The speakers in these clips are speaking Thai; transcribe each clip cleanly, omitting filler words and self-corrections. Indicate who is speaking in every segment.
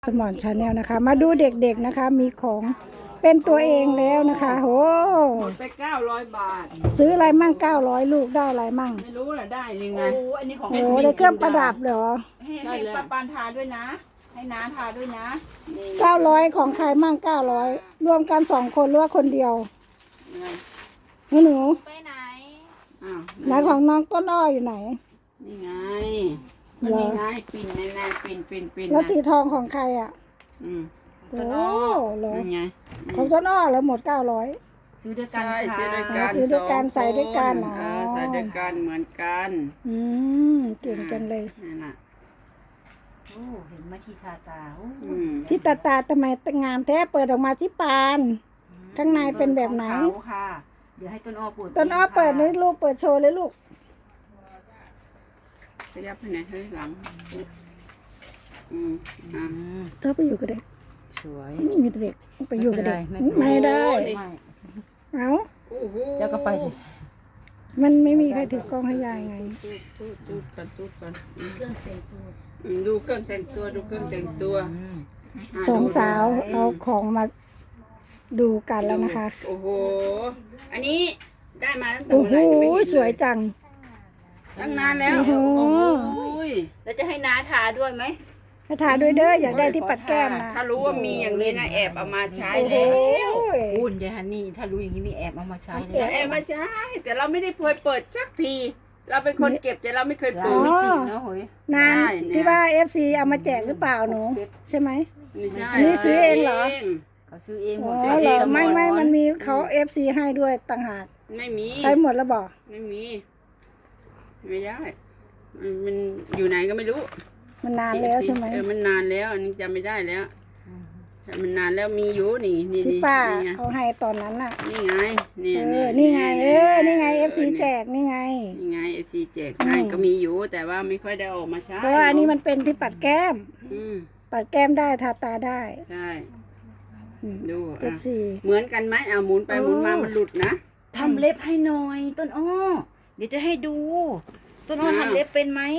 Speaker 1: สมอนชาแนลนะคะมาดูเด็กๆนะคะมีของเป็นตัวเองแล้วนะคะโห
Speaker 2: หมดไป900 บาท
Speaker 1: ซื้ออะไรมั่ง900ลูกได้อะไรมั่ง
Speaker 2: ไม่รู้ล่ะได้ยังไง
Speaker 3: โอ้อันนี้ของ
Speaker 1: โอ้ได้เครื่องประดับเหรอ
Speaker 3: ให้ปาปานทาด้วยนะ ให้น้าทาด้วยนะ
Speaker 1: 900ของใครมั่ง900รวมกัน2คนหรือว่าคนเดียวนี่หนู
Speaker 3: ไปไหน
Speaker 2: อ้าว
Speaker 1: ไหนของน้องต้นอ้ออยู่ไหน
Speaker 2: นี่ไงมันมีไงปิ่นในปิ่น
Speaker 1: แล้วสีทองของใครอ่ะโอ้เหรอ
Speaker 2: นี่ไง
Speaker 1: ของต้นอ้อแล้วหมด900
Speaker 3: ซื้อด้วยกัน
Speaker 2: ใช่ซื้อด้วยกัน
Speaker 1: ซื้อด้วยกันใส่ด้วยกัน
Speaker 2: ใส่ด้วยกันเหมือนกัน
Speaker 1: เก่งกันเลย
Speaker 2: นั่นน่ะ
Speaker 3: โอ้เห็นมาที่ทาตา
Speaker 1: ที่ตาทำไมงามแท้เปิดออกมาที่ปานข้างในเป็นแบบไหน
Speaker 3: ค่ะเดี๋ยวให้ต้นอ้อเปิด
Speaker 1: ต้นอ้อเปิดนี่ลูกเปิดโชว์เลยลูก
Speaker 2: ขยับไปไหนเฮ้ยหลัง
Speaker 1: ถ้าไปอยู่กับเด็ก
Speaker 3: สวย
Speaker 1: มีเด็กไปอยู่กับเด็กไม่ได้เอา
Speaker 3: แล้วก็ไปสิ
Speaker 1: มันไม่มีใครถือกล้องให้ยายไง
Speaker 2: ตูดกันเครื่องแต่งตัวดูเครื่องแต่งตัว
Speaker 1: สองสาวเอาของมาดูกันแล้วนะคะ
Speaker 2: โอ้โหอันนี้ได้มาตั้งแต่
Speaker 1: โอ้
Speaker 2: เมื่อ
Speaker 1: โห
Speaker 2: ไหร่
Speaker 1: สวยจัง
Speaker 2: ตั้งนานแล้ว
Speaker 1: โอ้โห
Speaker 3: แล้วจะให้น้าทาด้วยไหม
Speaker 1: ให้ทาด้วยเด้ออยากได้ที่ปัดแก้มนะ
Speaker 2: ถ้ารู้ว่ามีอย่างนี้นะแอบเอามาใช้แล้ว
Speaker 3: อุ่นยายฮันนี่ถ้ารู้อย่างนี้นี่แอบเอามาใช้เลย
Speaker 2: แอบมาใช้แต่เราไม่ได้เคยเปิดสักทีเราเป็นคนเก็บแต่เราไม่เคยเปิด
Speaker 3: ไม่ติดนะเฮ้ย
Speaker 1: นานที่ว่า FC เอามาแจกหรือเปล่าหนูใช่ไหม
Speaker 2: ไม่ใช่
Speaker 1: นี่ซื้อเองเหรอ
Speaker 3: เขาซื้อเองหมด
Speaker 1: เหรอไม่มันมีเขา FC ให้ด้วยต่างหาก
Speaker 2: ไม่มี
Speaker 1: ใช้หมดแล้วบอก
Speaker 2: ไม่มีไม่ได้มันอยู่ไหนก็ไม่รู้
Speaker 1: มันนานแล้วใช่ไหม
Speaker 2: มันนานแล้วอันนี้จำไม่ได้แล้วแต่มันนานแล้วมีอยู่นี่
Speaker 1: ที่ป้าเขาให้ตอนนั้นน่ะ
Speaker 2: นี่ไงนี่
Speaker 1: ไงนี่ไง FC แจกนี่ไง
Speaker 2: นี่ไง FC แจกให้ก็มีอยู่แต่ว่าไม่ค่อยได้ออกมาใช้
Speaker 1: เพราะว่าอันนี้มันเป็นที่ปัดแก้มปัดแก้มได้ทาตาได้
Speaker 2: ใช่ดู
Speaker 1: FC
Speaker 2: เหมือนกันไหมหมุนไปหมุนมามันหลุดนะ
Speaker 3: ทำเล็บให้หน่อยต้นอ้อเดี๋ยวจะให้ดูต้นอ้อทำเล็บเป็นไหม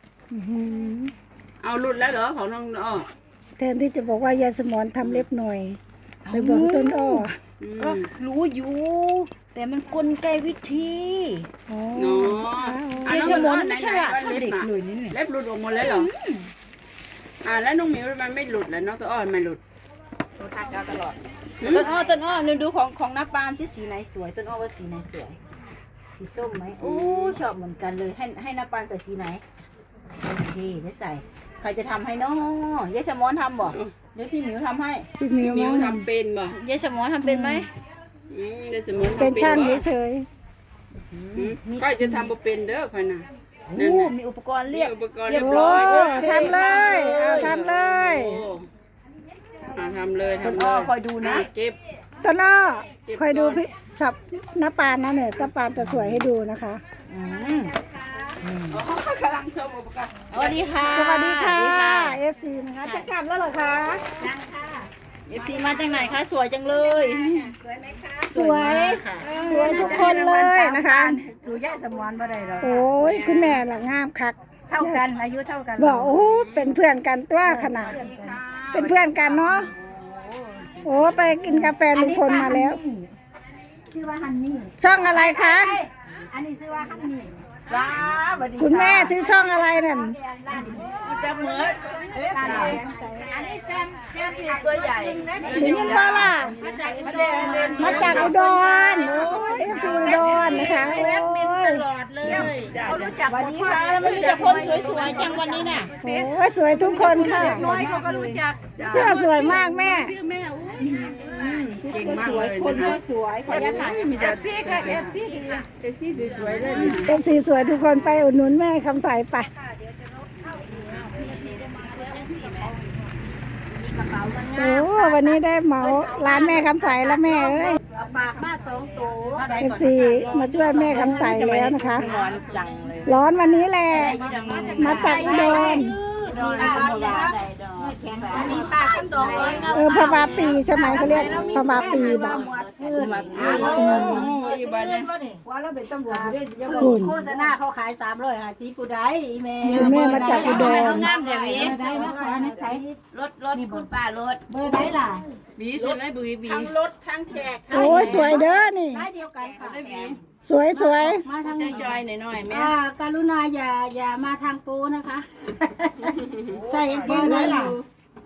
Speaker 2: เอาหลุดแล้วเหรอของน้องอ้อ
Speaker 1: แทนที่จะบอกว่ายายสมอนทำเล็บหน่อยไปบอกต้นอ้อ
Speaker 3: ก็รู้อยู่แต่มันกลไกวิธี
Speaker 2: เนาะ
Speaker 3: ยายสมอนไม่ใช่ละเด็กหนุ่ยนี่
Speaker 2: เล็บหลุดออกหมดเลยเหรอแล้วน้องหมิวมันไม่หลุดแล้วน้องตัวอ้อไม่หลุด
Speaker 3: ตัวทากาวตลอดต้นอ้อดูของน้าปาล์มที่สีไหนสวยต้นอ้อว่าสีไหนสวยสีส้มไหมโอ้ชอบเหมือนกันเลยให้น้าปาล์มใส่สีไหนโอเคได้ใส่ใครจะทำให้น้องยายสมอนทำบ่เดี๋ยวพี่หมิวทำให้
Speaker 1: พี่หมิว
Speaker 2: ทำเป็นบ่
Speaker 3: ยายสมอนทำเป็นไหม
Speaker 2: ยายสมอน
Speaker 1: เป็นช่างเฉย
Speaker 2: ก็จะทำเป็นเด้อค่อยนะ
Speaker 3: มีอุปกรณ์เรีย
Speaker 2: บร้อย
Speaker 1: ทำเลยทำเลย
Speaker 2: ทำเลย
Speaker 3: คอยดูนะ
Speaker 2: เก็บ
Speaker 1: ต้นอ้อคอยดูพี่ช็อปน้าปานนะเนี่ยน้าปานจะสวยให้ดูนะคะ
Speaker 2: กำลังชมอุปกรณ์
Speaker 3: สวัสดีค่ะ
Speaker 1: สวัสดีค่ะ FC นะคะจะกลับแล้วเหรอคะ
Speaker 3: ยังค่ะ FC มาจากไหนคะสวยจังเลย
Speaker 1: สวยไหมคะสวยทุกคนเลยนะคะ
Speaker 3: ดูย่าสมอนบ่ได้หรอก
Speaker 1: โอ้ยคุณแม่หลังงามคัก
Speaker 3: เท่ากันอายุเท่ากัน
Speaker 1: บอกโอ้เป็นเพื่อนกันตัวขนาดเป็นเพื่อนกันเนาะโอ้ไปกินกาแฟลุงพลมาแล้ว
Speaker 3: ชื่อว่าฮันนี่
Speaker 1: ช่องอะไรคะ
Speaker 3: อันนี้ชื่อว่าฮันนี่
Speaker 1: คุณแม่ชื่อช่องอะไรนั่น
Speaker 3: จะเหมือนอันนี้แฟนตัวใหญ่
Speaker 1: หรือยังบ้าล่ะมาจากอุดรโอ้ยFC อุดรนะคะโอ้ย
Speaker 3: ตลอดเลยเขารู้จักวันนี้ค่ะมันมีแต่คนสวยๆจังวันนี้น่ะ
Speaker 1: โอ้ยสวยทุกคนค่ะ
Speaker 3: สวยเขาก็รู้จัก
Speaker 1: เสื้อสวยมากแม่
Speaker 3: ชื่อแม่เก่งมากเลยคนก็สวยขออนุญาตถ่ายมีแต่FCค่ะFC
Speaker 2: สวยเลย
Speaker 1: FCสวยทุกคนไปอุดหนุนแม่คำใสไปโอ้วันนี้ได้เหมาร้านแม่คำใสแล้วแม่เอ้ย
Speaker 3: ปากมา2ตัว
Speaker 1: FC มาช่วยแม่คำใสแล้วนะคะร้อนวันนี้แหละมาจากอุดรพม่าปีใช่ไหมเขาเรียกพม่าปีแบบ
Speaker 2: บ้านเนี่ย
Speaker 3: ว่าเราเป็นตำรวจอยู่ด้วย
Speaker 1: คุณ
Speaker 3: โฆษณาเขาขาย350ผู้ใดอีแม่
Speaker 1: แม่มาจากอุดร
Speaker 3: งามแต่วีได้นะคะในใส่
Speaker 2: รถคุณป้ารถ
Speaker 3: เบอร์ไหนล่ะ
Speaker 2: บีสุดเลยบี
Speaker 3: ทั้งรถทั้งแจก
Speaker 1: โอ้ยสวยเด้อนี่
Speaker 3: ได้เดียวกันค่ะ
Speaker 2: ได้บี
Speaker 1: สวยสวย
Speaker 3: มาทาง
Speaker 2: ใจจอยหน่อยแม่
Speaker 3: การุณาอย่ามาทางปูนะคะ ใส่กางเกงไหนล่ะ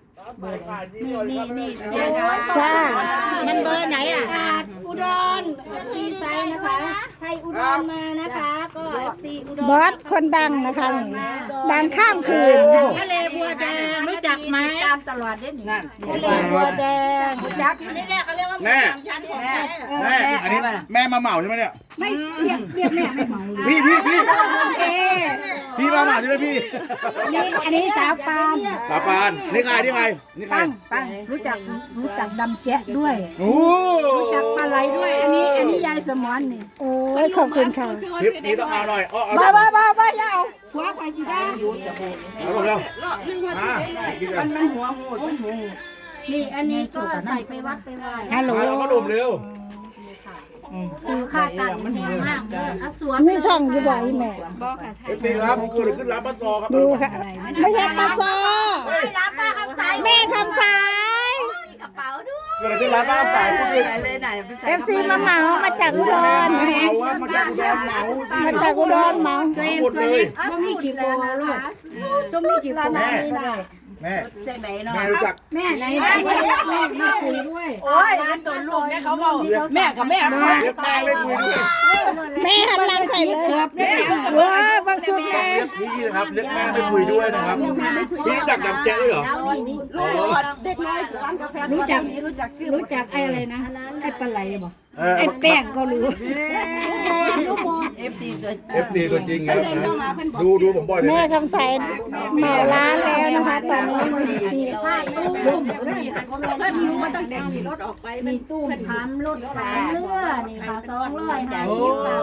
Speaker 3: นี่
Speaker 1: จ้า
Speaker 3: มันเบอร์ไหนอ่ะอุดรมีไซส์นะคะไทยอุดรมานะคะ ก็ FC อุดร
Speaker 1: บอสคนดังนะคะนี่ดังข้ามคืน
Speaker 3: ทะเลบัวแดงรู้จักไหมตามตลอดเด้นี่ทะเลบัวแดงรู้จักนี่แหละเขาเรียกว่า
Speaker 4: แม่
Speaker 3: ชั้นของแม่
Speaker 4: แม่อันนี้แม่มาเหมาใช่ไหมเนี่ย
Speaker 3: ไม่เรียกแม่ไม่เหมา
Speaker 4: พี่
Speaker 3: โอเค
Speaker 4: พี่มาเหมาใช่ไหมพี่
Speaker 3: อันนี้สาวปาน
Speaker 4: ตาปานนี่ใครนี่ใครนี่ใคร
Speaker 3: ปังรู้จักดำแจ๊ะด้วย
Speaker 4: โอ้
Speaker 3: รู้จักปลาไหลด้วย อันนี้ยายสมอนนี่
Speaker 1: โอ้ยขอบคุณค่ะ
Speaker 4: คลิปนี้ต้องเอาหน่อยเอา
Speaker 3: บ้าอย่าเอาหัวใครจีได้
Speaker 4: เอาลงเร็วมากินกัน
Speaker 2: มันหัวหมูมันหัว
Speaker 3: นี่อันนี้ก็ใส่ไปวัดไปไหว้
Speaker 1: ฮัลโหล
Speaker 4: เอาก็ดุมเร็ว
Speaker 3: คือค่าตังค์มันแพงมากเลยอ่ะสวน
Speaker 1: มีช่องอยู่บ่อยแม่
Speaker 4: เอฟซีครับเกิดอะไรขึ้นร้านป้าซอครับ
Speaker 1: ดูค่ะ ไม่ใช่ปลาซอ
Speaker 3: ร้านป้าคำใส
Speaker 1: แม่คำสาย
Speaker 3: มีกระเป๋าด้วย
Speaker 4: เกิดอะไรขึ้นร้านป้าสายพูดเลย
Speaker 2: เลยไหน
Speaker 1: FC มาเหมามาจากอุดร
Speaker 4: เหมาครับมาจากอุดรเหมา
Speaker 1: มาจากอุดรเหมา
Speaker 4: หมดเลย
Speaker 3: ก็มีกี่โปรลูกจะมีกี่โปร
Speaker 4: แม่แม่
Speaker 3: เส้นไหนเนาะ
Speaker 4: แม่รู้จัก
Speaker 3: แม่ไหนแม่คุยด้วย
Speaker 2: โอ้ยเป็นตัวลูกเนี่ยเขาบอกแม่กับแม่
Speaker 4: เรียกแม่ไม่คุยด้วย
Speaker 1: แม่หันหลังใส่เลยว้าวบางสุดแม่
Speaker 4: เรียกพี่นะครับเรียกแม่ไม่คุยด้วยนะครับพี่รู้จักดำแจ๊ด้วยเหรอ
Speaker 3: ลูกเด็กน้อยร้านกาแฟรู้จักไอ้อะไรนะไอ้ปลาไหลบ่ไอ้แป้งก็รู้
Speaker 2: เอฟซีตัว
Speaker 4: เอฟซีตัวจริงครับดูผมบ่อยเลย
Speaker 1: แม่คำใสเหมาร้านแล้วนะคะตอนนี้
Speaker 3: ผ้าตู้มันต้องแต่งรถออกไปมีตู้ทำรถขายเรือนี่ค่ะ200จ่ายคิวค่ะ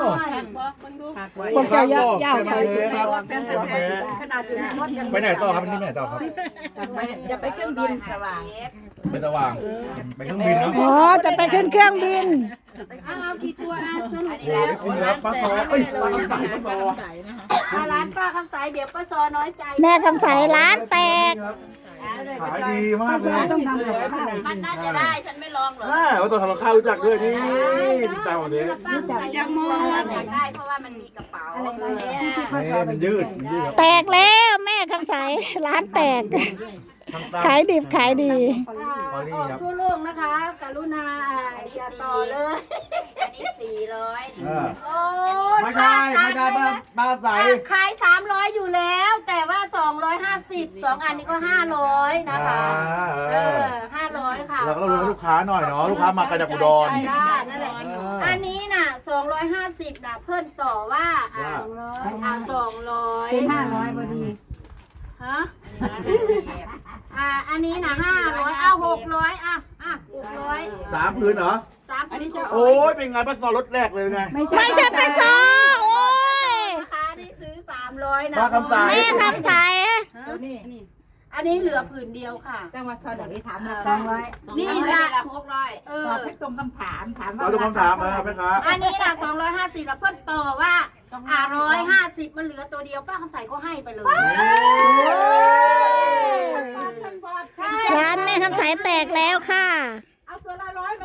Speaker 3: 200
Speaker 1: ผมจะยาวไป
Speaker 3: ขนาดอยู่ในรถยัง
Speaker 4: ไปไหนต่อครับวันนี้ไปไหนต่อครับ
Speaker 3: จะไปเครื่องบินสว่าง
Speaker 4: ไปสว่างไปเครื่องบินเนาะ
Speaker 1: อ๋อจะไปขึ้นเครื่องบิน
Speaker 3: เอากี่ตัวสรุป
Speaker 4: โอ้ยคุณครับป้าซอเอ้ยป้าคำใสป้าซอ
Speaker 3: ร้านป้าคำสายเดี๋ยวป้าซอน้อยใจ
Speaker 1: แม่คำใสร้านแตก
Speaker 4: ขายดีมากเลย
Speaker 3: มันน่าจะได้ฉันไม่ลองหรอก
Speaker 4: ว่าตัวทำข้าวรู้จักด้วยนี่ติดตามหมดเลย
Speaker 3: ยังมองได้เพราะว่ามันมีกระเป๋าเนี่ย
Speaker 4: นี่มันยืด
Speaker 1: แตกแล้วแม่คำใสร้านแตก ขายดิบขายดี
Speaker 3: ทั่วโลกนะคะกรุณาอย่าต่อเลยอันนี้400โอ้ย
Speaker 4: ไม่ได้ป้าใส
Speaker 3: ขาย300อยู่แล้ว แต่ว่า250 2อันนี้ก็500นะคะ500ค่ะ
Speaker 4: เราก็ต้องรู้ลูกค้าหน่อยเนาะลูกค้ามาจากอุดร
Speaker 3: จ้านั่นแหละอันนี้น่ะ250น่ะเพิ่นต่อว่า200เป็น500พอดีฮะอันนี้น่ะ500เอา600600
Speaker 4: 3 พื้นเหรอ
Speaker 3: 3อันนี้จะ
Speaker 4: โอ้ยเป็นไงป้าซอรถแรกเลยไง
Speaker 1: ไม่ใช่ปลาซอโอ้ย
Speaker 3: นะคะนี่ซื้อ300นะ
Speaker 4: ป้าคำใส
Speaker 1: แม่คำใส
Speaker 3: อันนี้เหลือผืนเดียวค่ะจังหวัดสระบุรีถาม200นี่ละ600ตอบให้ตรงคำถามว่า
Speaker 4: เราดูคำถามมาไหมครับ
Speaker 3: อันนี้ล่ะ250แล้วเพิ่นต่อว่า150มันเหลือตัวเดียวป้าคำใสก็ให้ไปเลย
Speaker 1: ร้านแม่คำใสแตกแล้วค่ะ
Speaker 3: เอาตัวละ100